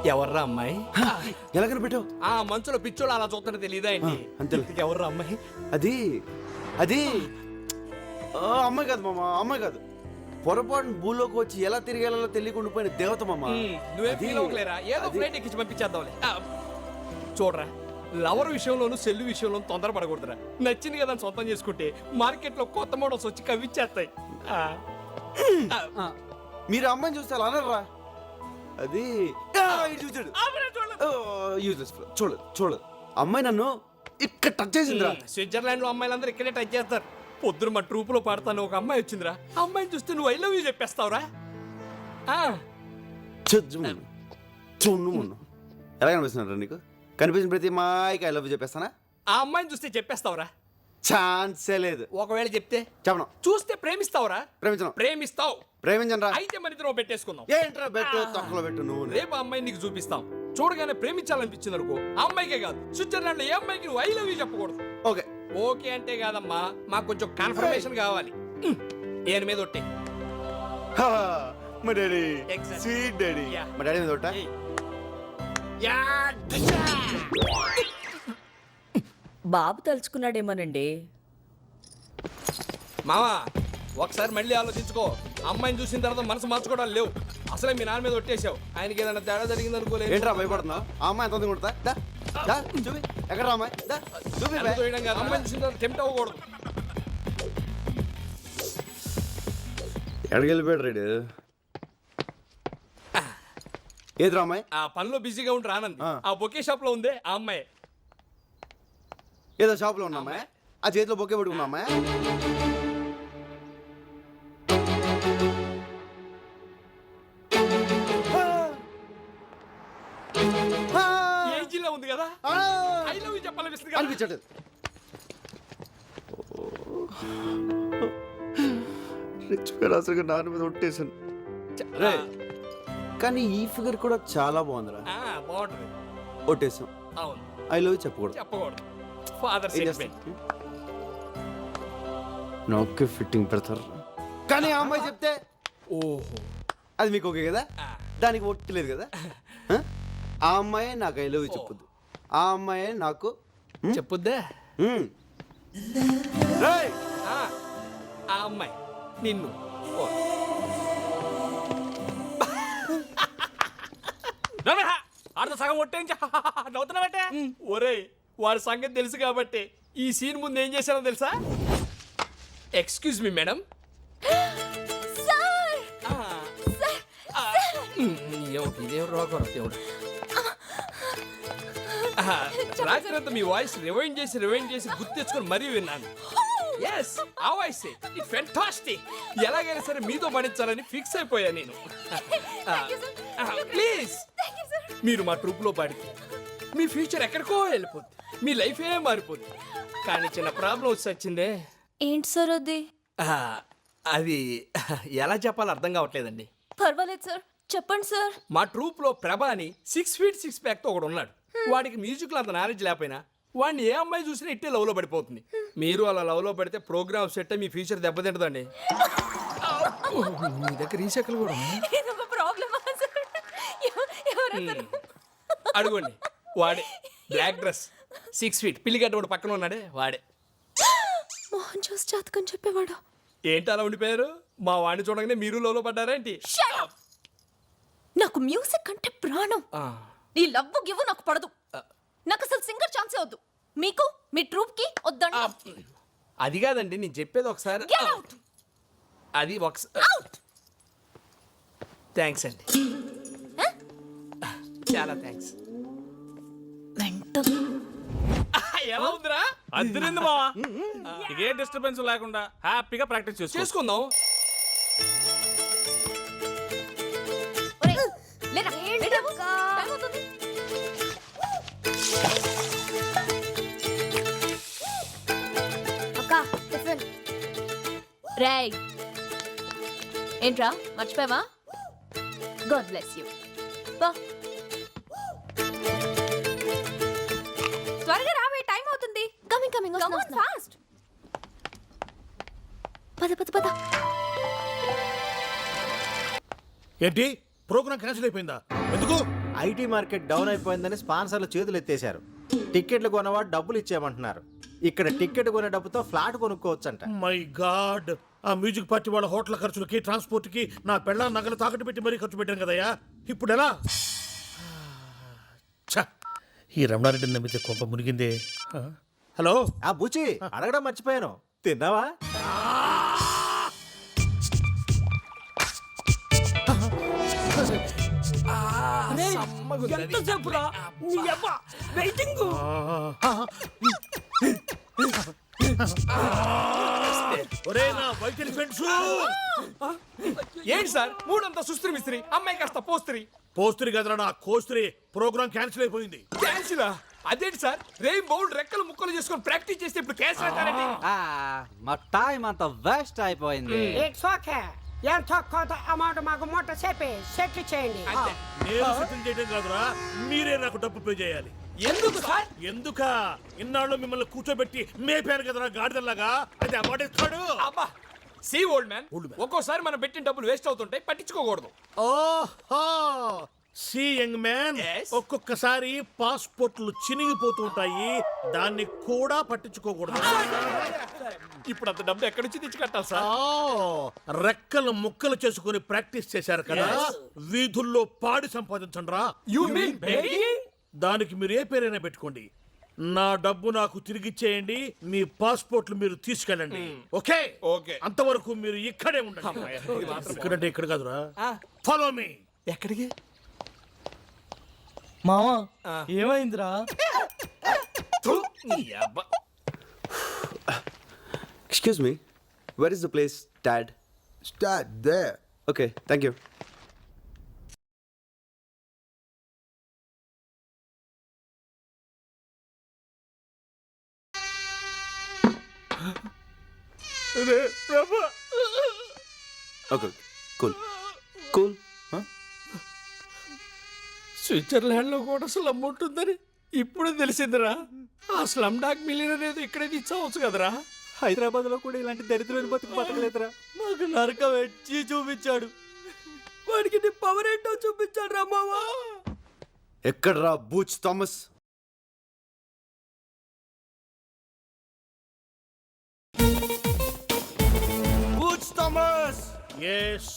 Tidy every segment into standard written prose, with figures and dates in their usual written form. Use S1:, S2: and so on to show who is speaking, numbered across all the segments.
S1: ఎవర్రా అమ్మాయి?
S2: ఎలా కనిపెట్టావు?
S1: ఆ మంచులో పిచ్చోళ్ళు అలా చూస్తుంటే తెలియదా ఏంటి?
S2: అంతే.
S1: ఎవర్రా అమ్మాయి?
S2: అది అది అమ్మాయి కాదు మామ, అమ్మాయి కాదు. పొరపాటున భూలోకి వచ్చి ఎలా తిరిగేలా తెలియకుండా పోయిన దేవత మామ.
S1: నువ్వే ఫీల్ అవ్వలేరా? ఏదో ఫ్లైట్ ఎక్కించి పంపించేద్దాంలే. చూడరా, లవర్ విషయంలోను సెల్లు విషయంలోను తొందరపడకూడదురా. నచ్చింది కదా అని సొంతం చేసుకుంటే మార్కెట్లో కొత్త మోడల్స్ వచ్చి కవిచ్చేస్తాయి.
S2: మీరు అమ్మాయిని చూస్తే అలా అనర్రా. అది చూచాడు చూడలేదు చూడలేదు. అమ్మాయి నన్ను ఇక్కడ టచ్ చేసిందిరా.
S1: స్విట్జర్లాండ్ లో అమ్మాయిలందరూ ఇక్కడే టచ్ చేస్తారు. పొద్దున మా ట్రూప్ లో పాడతాను ఒక అమ్మాయి వచ్చిందిరా. అమ్మాయిని చూస్తే నువ్వు ఐ లవ్ యూ చెప్పేస్తావురా.
S2: ఎలా కనిపిస్తున్నారా నీకు? కనిపించిన ప్రతి అమ్మాయికి ఐ లవ్ యూ చెప్పేస్తానా?
S1: ఆ అమ్మాయిని చూస్తే చెప్పేస్తావురా?
S2: ఛాన్సే లేదు.
S1: ఒకవేళ చెప్తే
S2: చెప్పను.
S1: చూస్తే ప్రేమిస్తావురా?
S2: ప్రేమించను.
S1: ప్రేమిస్తావు.
S2: ప్రేమించను రా.
S1: అయితే మన ఇద్దరం పెట్టేసుకుందాం.
S2: ఏంట్రా బెట్టు తొక్కలో పెట్టు నువ్వు.
S1: రేపు అమ్మాయిని నీకు చూపిస్తాం. చూడగానే ప్రేమించాలనిపించింది అనుకో, ఆ అమ్మాయికే కాదు స్విట్జర్లాండ్ లో ఏ అమ్మాయికి నువ్వు ఐ లవ్ యూ చెప్పకూడదు.
S2: ఓకే
S1: ఓకే అంటే కాదమ్మా, మాకు కొంచెం కన్ఫర్మేషన్ కావాలి. ఏను మీద ఒట్టే.
S2: మా daddy
S1: Exactly.
S2: Sweet daddy.
S1: Yeah.
S2: మా డాడీ మీద ఒట్టా?
S3: బాబు తలుచుకున్నాడేమోనండి.
S1: మావా ఒకసారి మళ్ళీ ఆలోచించుకో. అమ్మాయిని చూసిన తర్వాత మనసు మార్చుకోవడాలు లేవు. అసలే మీ నాన్న మీద ఒట్టేసావు. ఆయనకి ఏదైనా తేడా జరిగింది అనుకోలేదు.
S2: ఏంట్రా భయపడుతున్నావు? ఆ అమ్మాయి ఎంత కొడతా? చూపి ఎక్కడ అమ్మాయి? చూపి
S1: అమ్మాయిని చూసిన తర్వాత టెంప్ట్ అవ్వకూడదు.
S2: ఎక్కడికి వెళ్ళిపోయాడు రేడు? ఏదిరా అమ్మాయి?
S1: ఆ పనిలో బిజీగా ఉంటే రానంది. ఆ బొకే షాప్ లో ఉందే ఆ అమ్మాయి.
S2: ఏదో షాప్ లో ఉన్న అమ్మాయి? ఆ చేతిలో బొకే పట్టుకున్న అమ్మాయి?
S1: ఏజీలో ఉంది కదా, ఐ లవ్ యూ చెప్పాలనిపిస్తుంది కదా.
S2: అనిపించట్లేదు. అసలు నాన్న మీద ఒట్టేసాను. కానీ ఈ ఫిగర్ కూడా చాలా బాగుందిరా.
S1: బాగుంటుంది.
S2: ఒట్టేసాం.
S1: అవును,
S2: ఐ లవ్ చెప్పకూడదు.
S1: చెప్పకూడదు. Father sentiment.
S2: నాకే ఫిట్టింగ్ పెడతారు. కానీ ఆ అమ్మాయి చెప్తే
S1: ఓహో,
S2: అది మీకు ఓకే కదా? దానికి ఒట్టలేదు కదా? ఆ అమ్మాయే నాకు ఐ లవ్ చెప్పొద్దు. ఆ అమ్మాయే నాకు
S1: చెప్పుద్దా?
S2: రేయ్!
S1: ఆ అమ్మాయి నిన్ను. ఆడ సగం ఒట్టేంచి నవ్వుతున్నావటే. ఒరేయ్, వాడి సంగతి తెలుసు కాబట్టి ఈ సీన్ ముందు ఏం చేశానో తెలుసా? Excuse me madam. రాత్రి మీ వాయిస్ రివైండ్ చేసి గుర్తు తెచ్చుకొని మరీ విన్నాను. ఎస్, ఆ వాయిస్ ఇట్ ఫెంటాస్టిక్. ఎలాగైనా సరే మీతో పడించాలని ఫిక్స్ అయిపోయా నేను. ప్లీజ్, మీరు మా ట్రూప్ లో పాడితే మీ ఫ్యూచర్ ఎక్కడికో వెళ్ళిపోద్ది, మీ లైఫ్ ఏ మారిపోద్ది. కానీ చిన్న ప్రాబ్లం వచ్చి వచ్చిందే.
S3: ఏంటి సార్ అది?
S1: అది ఎలా చెప్పాలో అర్థం కావట్లేదండి.
S3: పర్వాలేదు సార్, చెప్పండి సార్.
S1: మా ట్రూప్ లో ప్రభా అని 6 feet 6 pack తో ఒకడు ఉన్నాడు. వాడికి మ్యూజిక్ లో అంత నాలెడ్జ్ లేకపోయినా వాడిని ఏ అమ్మాయి చూసినా ఇట్టే లవ్ లో పడిపోతుంది. మీరు అలా లవ్ లో పడితే ప్రోగ్రామ్ సెట్ మీ ఫ్యూచర్ దెబ్బతింటదండి. మీ దగ్గర ఈ చెక్కలు కూడా అడుగుండి. వాడే బ్లాక్ డ్రెస్ 6 feet పిల్లిగడ్డ వాడు పక్కన ఉన్నాడే వాడే.
S3: మోహన్ చూసి జాతకం చెప్పేవాడు.
S1: ఏంటి అలా ఉండిపోయారు? మా వాడిని చూడగానే మీరు లోలో పడ్డారా ఏంటి?
S3: నాకు మ్యూజిక్ అంటే ప్రాణం. నీ లవ్ గివ్ నాకు పడదు. నాకు అసలు సింగర్ ఛాన్సే వద్దు. మీకు మీ ట్రూప్ కి వద్దండి.
S1: అది కాదండి, నేను చెప్పేది ఒకసారి. అది ఒకసారి. థ్యాంక్స్ అండి, చాలా థ్యాంక్స్. ఎలా ఉందిరా?
S4: అద్దరింది మావా. ఏ డిస్టర్బెన్స్ లేకుండా హ్యాపీగా ప్రాక్టీస్
S1: చేసుకుందాం.
S3: రేయ్, ఏంట్రా మర్చిపోయావా? God bless you. త్వరగా రావే, టైం అవుతుంది. Coming coming fast. పద.
S4: ఏంటి ప్రోగ్రామ్ క్యాన్సిల్ అయిపోయిందా?
S5: ఎందుకు?
S6: ఐటీ మార్కెట్ డౌన్ అయిపోయిందని స్పాన్సర్లు చేతులు ఎత్తేశారు. టికెట్లు కొనవాడు డబ్బులు ఇచ్చేయమంటున్నారు. ఇక్కడ టికెట్ కొనే డబ్బుతో ఫ్లాట్ కొనుక్కోవచ్చంట.
S5: మై గాడ్, ఆ మ్యూజిక్ పార్టీ వాళ్ళ హోటల్ ఖర్చులకి ట్రాన్స్పోర్ట్ కి నా పెళ్ళ నగలు తాకట్టు పెట్టి మరీ ఖర్చు పెట్టాను కదయ్యా. ఇప్పుడు ఎలా? ఛ, ఈ రమణారెడ్డిని నమ్మితే కొంప మునిగిందే. హలో,
S6: ఆ బుచి అడగడం మర్చిపోయాను, తిన్నావా?
S1: ఎంతసేపు రా వెయిటింగ్.
S5: ఒరే నా వైద్యుల ఫ్రెండ్స్,
S1: ఏంటి సార్ మూడంతా సుస్త్రి మిస్త్రి, అమ్మాయి కాస్త పోస్త్రి.
S5: పోస్త్రి కదరా నా కోస్త్రి. ప్రోగ్రామ్ క్యాన్సిల్ అయిపోయింది.
S1: క్యాన్సిలా? అదేంటి సార్, రెయిన్ బౌల్ రెక్కలు ముక్కలు చేసుకొని ప్రాక్టీస్ చేస్తే ఇప్పుడు క్యాన్సిల్ అంటారండి.
S7: మా టైం అంతా వేస్ట్ అయిపోయింది.
S8: It's okay. ఎంతో కొంత అమౌంట్ మాకు మూట చెప్పి సెటిల్ చేయండి.
S1: అంతే.
S5: నేను సెటిల్ చేయడం కాదురా, మీరే నాకు డబ్బు పే చేయాలి.
S1: ఎందుకు సార్?
S5: ఎందుక? ఇన్నాళ్ళు మిమ్మల్ని కూర్చోబెట్టి మేపాను కదరా గాడిదల్లాగా. అయితే అమౌంట్ ఇస్తాడు.
S1: అబ్బా సి ఓల్డ్ మ్యాన్, ఒక్కోసారి మనం పెట్టిన డబ్బులు వేస్ట్ అవుతుంటాయి, పట్టించుకోకూడదు.
S5: ఓహో, సి యంగ్ మ్యాన్,
S1: Yes.
S5: ఒక్కొక్కసారి పాస్పోర్ట్లు చినిగిపోతూ ఉంటాయి, దాన్ని కూడా పట్టించుకోకూడదు.
S1: ఇప్పుడు అంత డబ్బు ఎక్కడి నుంచి తెచ్చి కట్టాలి సార్?
S5: రెక్కలు ముక్కలు చేసుకుని ప్రాక్టీస్ చేశారు కదా, వీధుల్లో పాడి సంపాదించండి రా.
S1: You mean begging?
S5: దానికి మీరు ఏ పేరైనా పెట్టుకోండి. నా డబ్బు నాకు తిరిగిచ్చేయండి, మీ పాస్పోర్ట్లు మీరు తీసుకెళ్ళండి. Okay
S1: okay.
S5: అంతవరకు మీరు ఇక్కడే ఉండండి. ఇక్కడంటే ఇక్కడ కాదురా, ఫాలో మీ.
S1: ఎక్కడికి?
S7: మామా ఏమైందిరా?
S2: Excuse me, where is the place dad?
S9: Start there.
S2: Okay, thank you. Okay, cool cool.
S1: Switzerland లో కూడా స్లమ్ ఉంటుందని ఇప్పుడు తెలిసిందిరా. ఆ స్లమ్ డాగ్ మిలియనర్ ఏదో ఇక్కడే తీసుకోవచ్చు కదరా.
S6: హైదరాబాద్ లో కూడా ఇలాంటి దరిద్రమైన బతుకు బతకలేదురా.
S7: మాకు నరకం వచ్చి చూపించాడు.
S1: వాడికి నీ పవర్ ఏంటో చూపించాడు రా మావా.
S2: ఎక్కడ్రా Butch Thomas? Butch Thomas!
S5: Yes.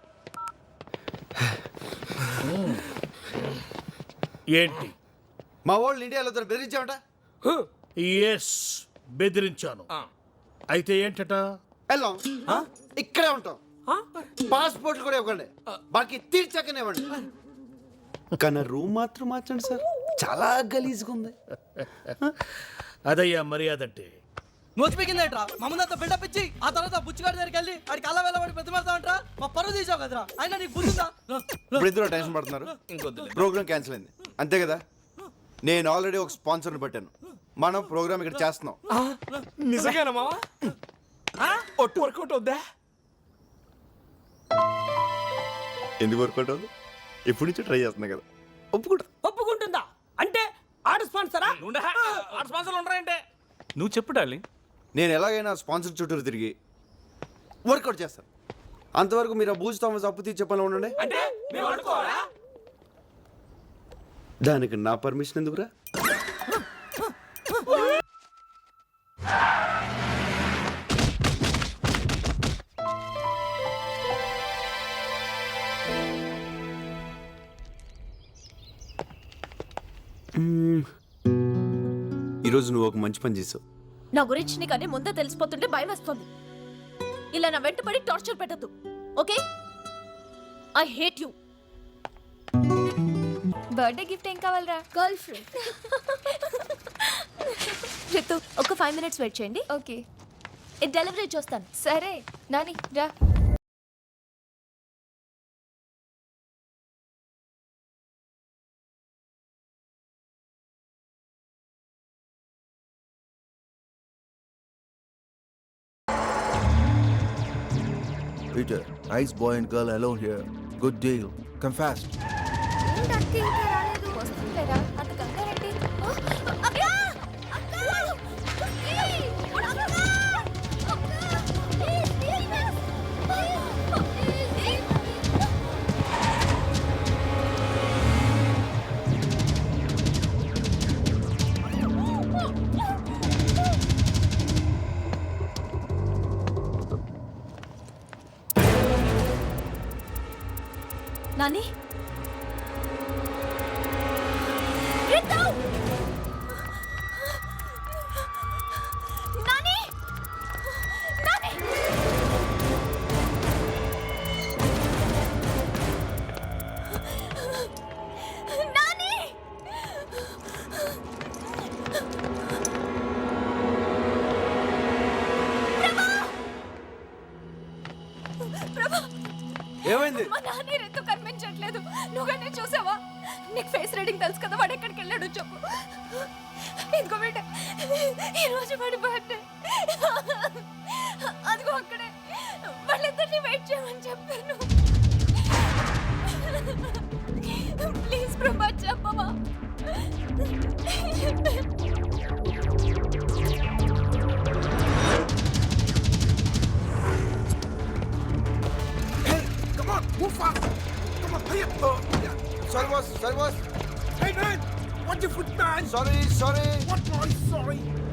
S5: ఏంటి?
S2: మా వాళ్ళు ఇండియాలో బెదిరించామట.
S5: ఎస్, బెదిరించాను. అయితే ఏంటట?
S2: వెళ్ళాం, ఇక్కడే ఉంటాం, పాస్పోర్ట్ కూడా ఇవ్వండి, బాకీ తీర్చాకనే ఇవ్వండి. కానీ రూమ్ మాత్రం మార్చండి సార్, చాలా గలీజ్గా ఉంది.
S5: అదయ్యా మర్యాద అంటే.
S7: నోచిపోయిందేట్రా? మమ్మల్ని బిల్డప్ ఇచ్చి ఆ తర్వాత బుచ్చిగాడి దగ్గరికి వెళ్ళి ఆడికి అలా వెళ్ళబడి ప్రతిమాడతామంటరా? మా పరువు తీసావు కదరా. అయినా నీకు బుద్ధిందా?
S2: ఇప్పుడు ఇద్దరు టెన్షన్ పడుతున్నారు. ప్రోగ్రామ్ క్యాన్సిల్ అయింది అంతే కదా. నేను ఆల్రెడీ ఒక స్పాన్సర్ని పెట్టాను, మనం ప్రోగ్రామ్ ఇక్కడ చేస్తున్నాం.
S1: నిజంగానా మావా? ఒట్టు వర్కౌట్ అవుద్దా?
S2: ఎందుకు వర్కౌట్ అవుతుంది? ఎప్పటి నుంచి ట్రై చేస్తున్నా కదా, ఒప్పుకుంటా.
S8: ఒప్పుకుంటుందా? అంటే ఆడు స్పాన్సరా?
S4: స్పాన్సర్లు ఉండరంటే నువ్వు చెప్పు డార్లింగ్.
S2: నేను ఎలాగైనా స్పాన్సర్ చుట్టూరు తిరిగి వర్కౌట్ చేస్తాను. అంతవరకు మీరు ఆ బూజ్ థామస్ అప్పు తీర్చే పనిలో ఉండండి.
S1: అంటే మేము అనుకోవాలా?
S2: దానికి నా పర్మిషన్ ఎందుకురా? ఈరోజు నువ్వు ఒక మంచి పని చేసావు.
S3: నా గురించి నీకు అన్ని ముందే తెలిసిపోతుంటే భయం వేస్తుంది. ఇలా నా వెంట పడి టార్చర్ పెట్టద్దు, okay? I hate you.
S10: Birthday gift ఏం కావాలరా?
S3: Girl friend. రితు, ఒక 5 minutes వెయిట్ చేయండి.
S10: ఓకే
S3: ఇది డెలివరీ చేస్తాను.
S10: సరే నాని రా.
S9: Peter, nice boy and girl alone here. Good deal. Come fast.
S10: ఏంటక్క ఇంకా రాలేదు? వస్తుందిలేరా, అంత కంగారేంటి? అక్క! అక్క! ఏయ్! అక్క! Please, please! Please!
S3: Nani Ritu! Nani! Nani! Nani! Prabha!
S2: ఏమైంది?
S3: మా నాన్న రితు కనిపించట్లేదు. నువ్వుగానే చూసావా? నీకు ఫేస్ రీడింగ్ తెలుసు కదా, వాడు ఎక్కడికి వెళ్ళాడు చెప్పు. ఇంకో బిడ్డ, ఈరోజు వాడి బర్త్డే. అదిగో అక్కడే. వాళ్ళిద్దరిని వెయిట్ చేయమని చెప్పాను. ప్లీజ్ ప్రభా చెప్పవా?
S9: Come on, move fast. Come on, hurry up.
S2: Sorry, boss. Sorry, boss.
S9: Hey, man. Watch your foot, man.
S2: Sorry, sorry.
S9: What, boy? Sorry.